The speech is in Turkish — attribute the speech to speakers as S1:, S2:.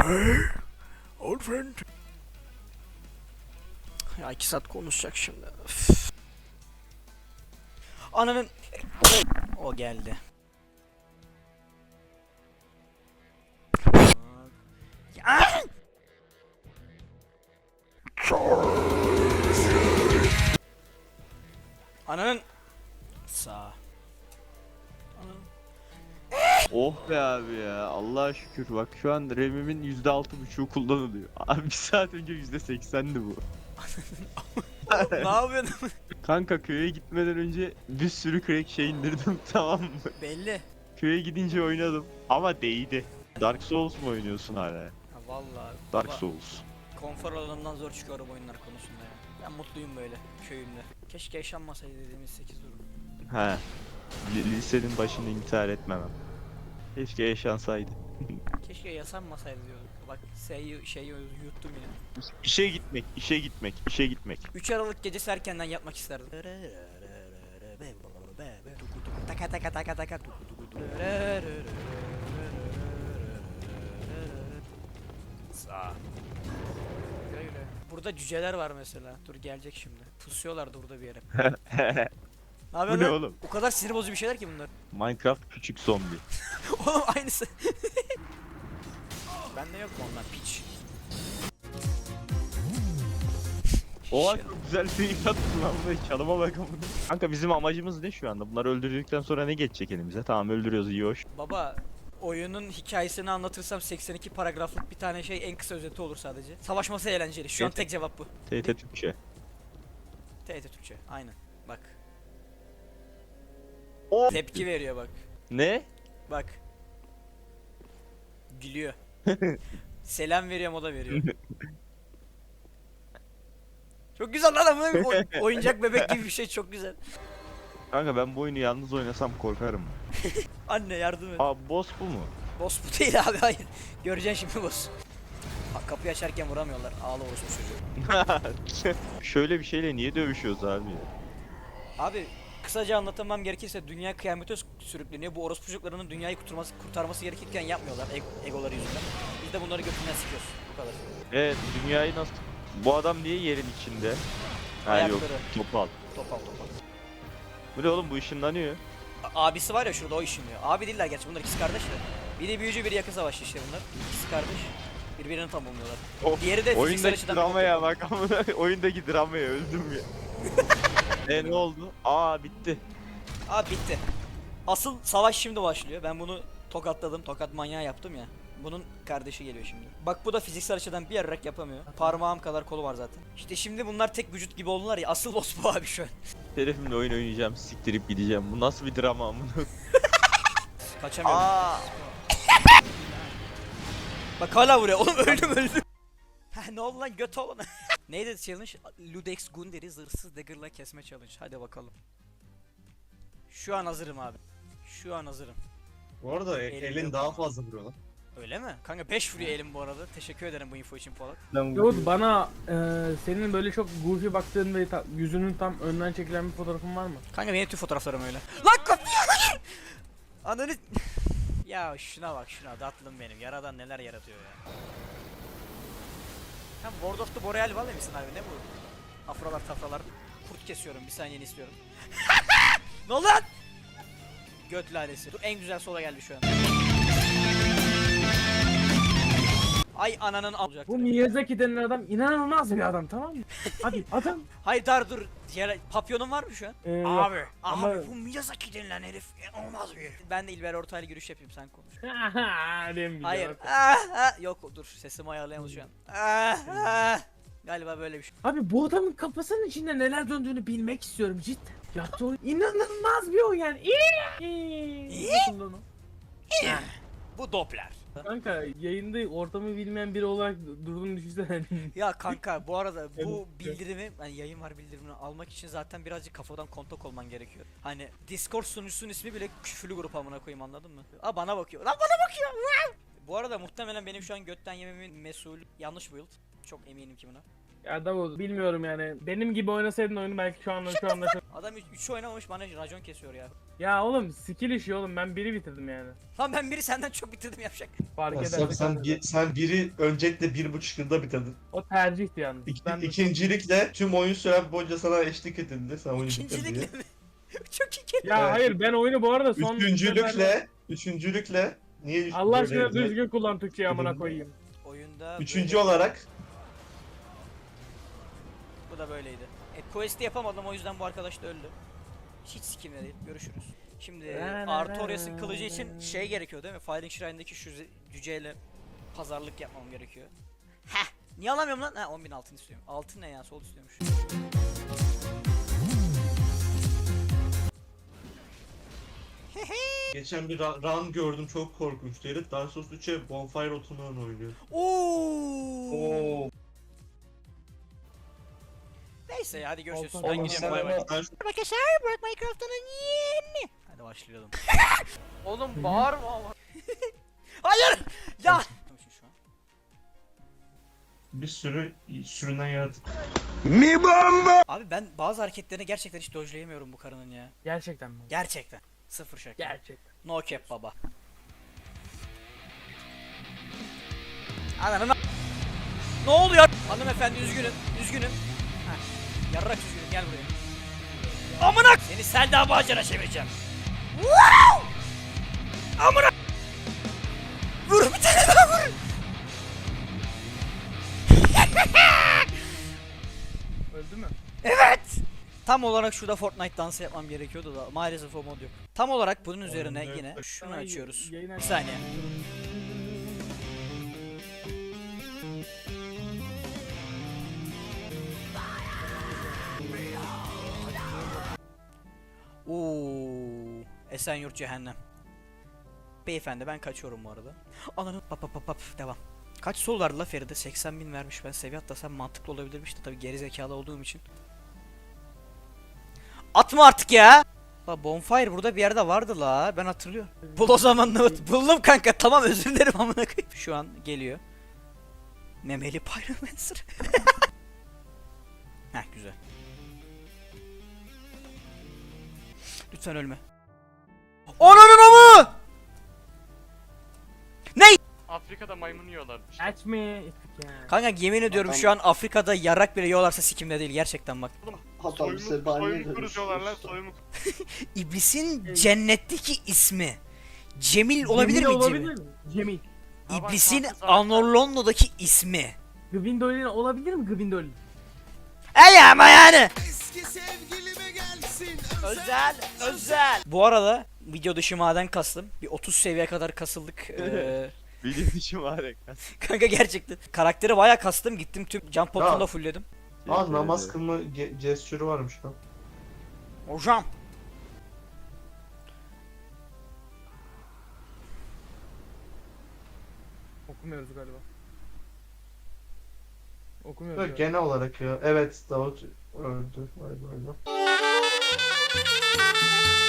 S1: Old friend. Ya 2 saat konuşacak şimdi. Üf. Ananın... O geldi. Ya! Ananın... Sağ.
S2: Oh be abi ya. Allah'a şükür. Bak şu an RAM'imin %6.5'u kullanılıyor. Abi bir saat önce %80'di bu.
S1: Ne yapıyorsun?
S2: Kanka köye gitmeden önce bir sürü crack şey indirdim tamam mı?
S1: Belli.
S2: Köye gidince oynadım ama değdi. Dark Souls mu oynuyorsun hala?
S1: Ha, vallahi.
S2: Dark
S1: baba,
S2: Souls.
S1: konfor alanından zor çıkıyorum oyunlar konusunda ya. Ben mutluyum böyle köyümde. Keşke yaşanmasaydı dediğimiz 8 durum.
S2: He. Lisenin başında intihar etmemem. Keşke yaşansaydı.
S1: Keşke yaşanmasaydı diyorduk. Bak şey yuttum yine.
S2: İşe gitmek, işe gitmek, işe gitmek.
S1: 3 Aralık gecesi erkenden yapmak isterdim. Taka taka taka taka. Sağ. Burada cüceler var mesela. Dur gelecek şimdi. Pusuyorlardı burada bir yere. Ne
S2: Bu
S1: yapıyorsun
S2: ne
S1: lan?
S2: oğlum?
S1: O kadar sinir bozucu bir şeyler ki bunlar.
S2: Minecraft küçük zombi.
S1: Oğlum aynısı. Bende yok mu ondan piç?
S2: Oha çok güzel bir yattın lan bu çalıma bak amına. Kanka bizim amacımız ne şu anda? Bunları öldürdükten sonra ne geçecek elimize? Tamam öldürüyoruz iyi hoş.
S1: Baba oyunun hikayesini anlatırsam 82 paragraflık bir tane şey en kısa özeti olur sadece. Savaşması eğlenceli. Şu an
S2: Evet.
S1: tek cevap bu.
S2: TT Türkçe.
S1: TRT Türkçe. Aynen. Bak.
S2: O
S1: Tepki veriyor bak.
S2: ne?
S1: Bak. Gülüyor. Selam veriyor, moda veriyor. Çok güzel lan ama oyuncak bebek gibi bir şey, çok güzel.
S2: Kanka ben bu oyunu yalnız oynasam korkarım.
S1: Anne yardım et.
S2: Aa boss bu mu?
S1: Boss bu değil abi, hayır. Göreceksin şimdi boss. Ha, kapıyı açarken vuramıyorlar. Ağla orospu çocuğu.
S2: Şöyle bir şeyle niye dövüşüyoruz abi?
S1: Abi kısaca anlatamam gerekirse dünya kıyamete sürükleniyor. Bu orospu çocuklarının dünyayı kurtarması gerekirken yapmıyorlar egoları yüzünden. Biz de bunları götünden sikiyoruz. Bu kadar.
S2: Dünyayı nasıl... Bu adam niye yerin içinde? Ha yok,
S1: Ayakları.
S2: topal.
S1: Topal topal.
S2: Bu ne oğlum bu ışınlanıyor.
S1: Abisi var ya şurada, o işiniyor. Abi değiller gerçi, bunlar ikisi kardeş de. Biri büyücü, biri yakın savaşçı işte bunlar. İkisi kardeş. Birbirini tam bulmuyorlar. Diğeri de fiziksel
S2: Oyundaki
S1: açıdan
S2: dramaya bak amına. Oyundaki dramaya öldüm ya. Ne oldu? Aa bitti.
S1: Abi bitti. Asıl savaş şimdi başlıyor. Ben bunu tokatladım. Tokat manyağı yaptım ya. Bunun kardeşi geliyor şimdi. Bak bu da fiziksel açıdan bir yarrak yapamıyor. Parmağım kadar kolu var zaten. İşte şimdi bunlar tek vücut gibi oldular ya. Asıl boss bu abi şu an.
S2: Şerefimle oyun oynayacağım, siktirip gideceğim. Bu nasıl bir drama amına?
S1: Kaçamıyorum.
S2: Aa!
S1: Bak hala vuruyor. Oğlum öldüm. Heh, ne oldu lan göt oğlum. Neydi challenge? Ludex Gunder'i zırhsız dagger'la kesme challenge. Hadi bakalım. Şu an hazırım abi. Şu an hazırım.
S3: Bu arada
S1: Elim
S3: elin
S1: yok
S3: daha
S1: ama.
S3: fazla vuruyor lan.
S1: Öyle mi? Kanka 5 vuruyor elim bu arada. Teşekkür ederim bu info için Polat.
S4: Yavuz bana senin böyle çok goofy baktığın ve yüzünün tam önden çekilen bir fotoğrafın var mı?
S1: Kanka benim tüm fotoğraflarım öyle. Lan kapıyı hayır! Ananı... Ya şuna bak şuna, tatlım benim. Yaradan neler yaratıyor ya. Sen World of the Boreal Valley misin abi, ne bu? Afrolar tafralar. Kurt kesiyorum, bir saniyeni istiyorum. Ne oldu lan? Göt lalesi. Dur, en güzel sola geldi şu an. Ay ananın olacak.
S4: Bu Miyazaki denen adam inanılmaz bir adam, tamam mı? Abi adam
S1: Hayır dur. Papyonun var mı şu an?
S4: Yok.
S1: Abi
S4: Ama-
S1: bu Miyazaki denilen herif olmaz bir herif. Ben de İlber Ortaylı giriş yapayım, sen konuş.
S4: Dem
S1: Hayır. Yok dur, sesimi ayarlayamaz şu an. Galiba böyle bir şey.
S4: Abi bu adamın kafasının içinde neler döndüğünü bilmek istiyorum cidden. Yaptığı oyun inanılmaz bir oyun yani. Nasıl lan o?
S1: Bu Doppler.
S4: Kanka yayında ortamı bilmeyen biri olarak durduğunu düşünsene.
S1: Ya kanka bu arada bu
S4: Evet.
S1: bildirimi, yani yayın var bildirimini almak için zaten birazcık kafadan kontak olman gerekiyor. Hani Discord sunucusunun ismi bile küfürlü grup, amına koyayım, anladın mı? Aa bana bakıyor. Lan bana bakıyor. Bu arada muhtemelen benim şu an götten yememin mesulü yanlış build. Çok eminim ki buna.
S4: Ya Davut bilmiyorum yani. Benim gibi oynasaydın oyunu belki şu anda
S1: Adam 3 oynamamış bana racon kesiyor ya.
S4: Ya oğlum skill işi oğlum, ben biri bitirdim yani.
S1: Lan ben biri senden çok bitirdim yapacak.
S4: Fark
S3: Ya
S4: ederse
S3: sen biri öncelikle 1,5 yılda bitirdin.
S4: o tercihti yalnız. Ben de
S3: İkincilikle tüm oyun süren boyunca sana eşlik edildi. Sen oyunu bitir diye.
S1: İkincilikle mi? Çok iyi kelime.
S4: Ya
S3: Evet.
S4: hayır, ben oyunu bu arada son
S3: Üçüncülükle niye
S4: Allah
S3: böyle
S4: aşkına
S3: yazıyor?
S4: düzgün kullan Türkçeyi, amına koyayım.
S1: Oyunda
S3: Üçüncü
S1: böyle-
S3: olarak
S1: Bu da böyleydi. Quest'i yapamadım, o yüzden bu arkadaş da öldü. Hiç sikimle değil. Görüşürüz. Şimdi Artorias'ın kılıcı için şey gerekiyor değil mi? Fighting Shrine'daki şu cüceyle pazarlık yapmam gerekiyor. Heh! Niye alamıyorum lan? Ha 10.000 altın istiyorum. Altın ne ya? Sol istiyormuş.
S3: geçen bir run gördüm, çok korkunçtu. Herif Dark Souls 3'e Bonfire otundan oynuyor.
S1: Oo! Neyse hadi görüşürüz.
S4: Olsun.
S1: Ben
S4: Oğlum
S1: gidiyorum.
S3: sen
S1: Bay bay.
S3: ama-
S1: Arkadaşlar Burak Minecraft'ın yeni. Hadi başlayalım.
S5: Oğlum bağırma ama.
S1: Hayır! Ya! Şu an.
S3: Bir sürü sürünen yaratık.
S1: Abi ben bazı hareketlerini gerçekten hiç dojlayamıyorum bu karının ya.
S4: Gerçekten mi?
S1: Gerçekten. Sıfır şaka.
S4: Gerçekten.
S1: No cap baba. Ananı ne oluyor? Hanımefendi üzgünüm. Üzgünüm. Heh. Yarrak üzgünüm, gel buraya. Amına! Seni Selda Bağcan'a çevireceğim. Wow! Amına! Vur bir tane daha vur.
S4: Öldü mü?
S1: Evet. Tam olarak şurada Fortnite dansı yapmam gerekiyordu da maalesef o mod yok. Tam olarak bunun üzerine
S3: Oyunda
S1: yine
S3: yok.
S1: şunu
S4: Ay,
S1: açıyoruz.
S4: yayın
S1: Bir
S4: aç-
S1: saniye. Oo, Esenyurt cehennem. Beyefendi ben kaçıyorum bu arada. Ananı pap pap pap pap devam. Kaç sol vardı la Feride? 80.000 vermiş, ben seviye atlasam mantıklı olabilirmiş de tabii geri zekalı olduğum için. Atma artık ya. La bonfire burada bir yerde vardı la, ben hatırlıyorum. Bul o zaman buldum kanka, tamam özür dilerim amına koyayım. Şu an geliyor. Memeli Pyromancer. Heh güzel. Lütfen ölme. Ananın amı!
S5: Afrika'da maymun yiyorlarmış.
S4: Aç mı? Ettik ya.
S1: Kanka yemin ediyorum
S6: Adam-
S1: şu an Afrika'da yarak bile yiyorlarsa sikimde değil gerçekten bak.
S6: Adam sebaniye
S5: Soyumu kuruyorlar lan soyumu.
S1: İblisin cennetteki ismi. Cemil olabilir
S4: Cemil
S1: mi
S4: olabilir
S1: Cemil?
S4: mi? Cemil.
S1: İblisin
S5: Ama zaten-
S1: Anorlondo'daki ismi.
S4: Gwendolyn olabilir mi Gwendolyn?
S1: Ey ama yani. Özel. Bu arada video dışı maden kastım. Bir 30 seviye kadar kasıldık.
S2: Benim işim var ya.
S1: Kanka gerçekten. Karakteri bayağı kastım. Gittim tüm jump potunu da fullledim.
S3: Aa, namaz kılma gestürü varmış lan.
S1: Hocam.
S4: Okumuyoruz galiba. Okumuyoruz
S3: Böyle
S4: galiba.
S3: genel olarak ya. Evet, Davut öldü. Vay vay vay.